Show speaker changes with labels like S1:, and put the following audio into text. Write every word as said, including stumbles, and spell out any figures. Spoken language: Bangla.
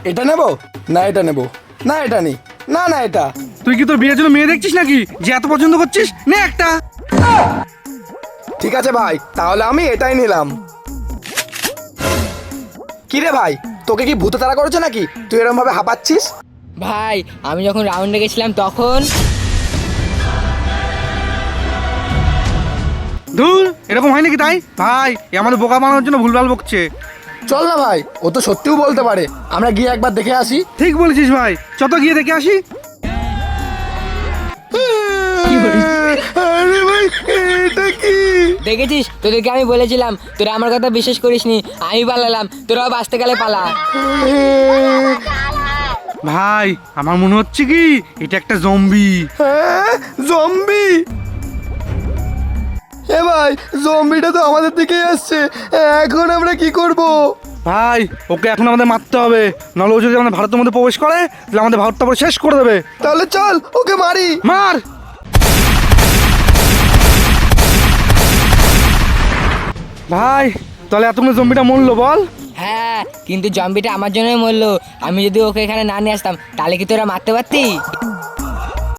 S1: এটা নেব না এটা নেব না এটা নি না না এটা।
S2: তুই কি তোর বিয়ের জন্য মেয়ে দেখছিস নাকি যে এত পছন্দ করছিস? নে একটা।
S1: ঠিক আছে ভাই, তাহলে আমি এটাই নিলাম। কি রে ভাই, তোকে কি ভূতে তাড়া করেছে নাকি তুই এরকম ভাবে হাঁপাচ্ছিস?
S3: ভাই আমি যখন রাউন্ডে গেছিলাম তখন।
S2: ধুর, এরকম হয় নাকি? তাই ভাই এ আমাদের বোকা বানানোর জন্য ভুলভাল বকছে।
S1: চল না ভাই, ও তো সত্যিও বলতে পারে, আমরা গিয়ে একবার দেখে আসি।
S2: ঠিক বলেছিস ভাই, চত গিয়ে দেখে আসি।
S1: আরে ভাই, এটা কি?
S3: দেখেছিস, তোদেরকে আমি বলেছিলাম তোরা আমার কথা বিশ্বাস করিসনি, আমি পালালাম, তোরাও বাঁচতে গেলে পালা।
S2: ভাই আমার মনে হচ্ছে কি এটা একটা জম্বি।
S1: হ্যাঁ, জম্বি। এ ভাই, জম্বিটা তো আমাদের দিকেই আসছে, এখন আমরা কি করব?
S2: ভাই ওকে এখন আমাদের মারতে হবে, নাহলে ও যদি আমাদের ভারতের মধ্যে প্রবেশ করে তাহলে আমাদের ভারতটা পুরো শেষ করে দেবে।
S1: তাহলে চল ওকে মারি।
S2: মার। ভাই তাহলে এতক্ষণ জম্বিটা মরলো বল?
S3: হ্যাঁ, কিন্তু জম্বিটা আমার জন্যই মরলো। আমি যদি ওকে এখানে না নিয়ে আসতাম তাহলে কি তোরা মারতে পারতি?